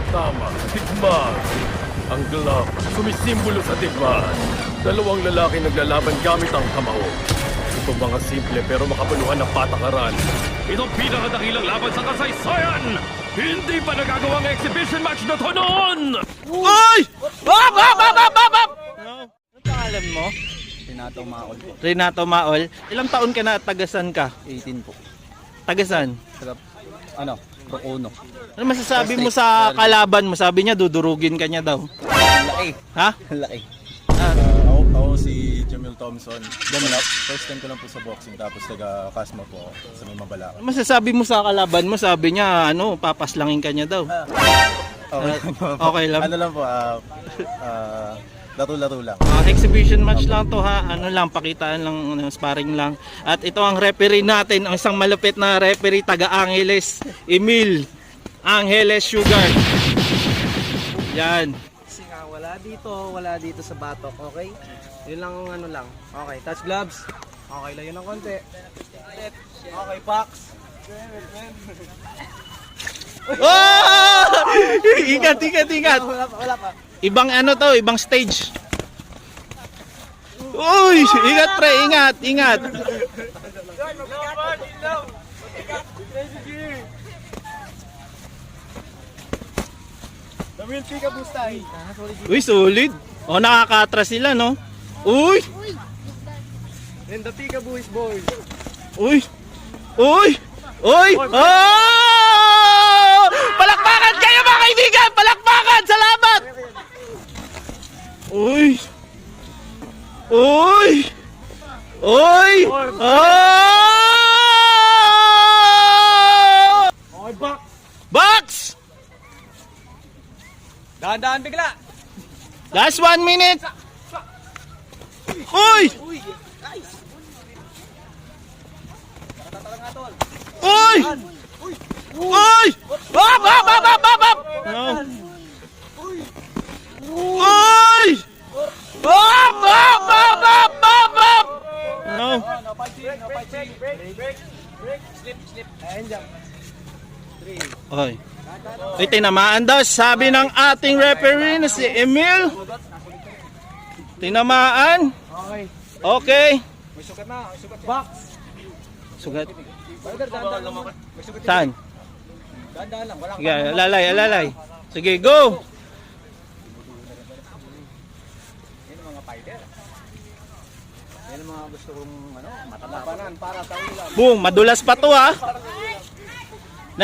Tama, digmaan. Ang glove, sumisimbolo sa digmaan. Dalawang lalaki naglalaban gamit ang kamao. Ito mga simple pero makabuluhan ng patakaran. Itong pinakadakilang laban sa kasaysayan! Hindi pa nagagawang exhibition match na to noon! Uy! Bab! Bab! Bab! Bab! Bab! Ano pangalan mo? Renato Maol po. Renato Maol. Ilang taon ka na at tagasan ka? 18 po. Tagasan? Sarap. Ano? Rocono. Ano masasabi mo sa kalaban mo? Sabi niya dudurugin ka niya daw. Laki. Ha? Laki. Ako si Jamil Thompson. First time ko lang po sa boxing tapos taga-Kasma po ako sa may Mabalacan. Ano masasabi mo sa kalaban mo? Sabi niya papaslangin ka niya daw. Okay lang. Ano lang po, laro-laro lang. Exhibition match lang to ha. Ano lang, pakitaan lang, sparring lang. At ito ang referee natin, ang isang malupit na referee taga Angeles, Emil Angeles Sugar. Yan. Kasi nga, wala dito sa batok, okay? Yun lang ang ano lang. Okay, touch gloves. Okay lang yun ng konti. Okay, box. Oh! Ingat, ingat, ingat. Wala pa. Ibang ano to, ibang stage. Uy, ingat pre, ingat, ingat. Uy, solid. Oh, nakakatras sila, no? Uy! And the Tika boys. Uy! Uy! Uy! Oh! Palakpakan kayo mga kaibigan! Palakpakan! Salamat! Uy! Uy! Uy! Oh! Okay, box. Box! Dahan-dahan bigla. Last 1 minute! Uy! Uy! Uy! Bab! Bab! Bab! Bab! Bab! Bab! Uy! Bab! Bab! Bab! Bab! Bab! Bab! No. No fighting. Break. Slip. Ayan dyan. Oy. Ay, tinamaan daw. Sabi ng ating referee na si Emil. Tinamaan. Okay. Okay. May sugat na. Box. Sugat. Brother, dahan-dahan lang. May sugat. Saan? Dahan-dahan lang. Wala Sige, alalay. Sige, go. Yan ang mga fighter. Yan ang mga gusto kong matatapanan para sa ulam. Boom, madulas pa to ha.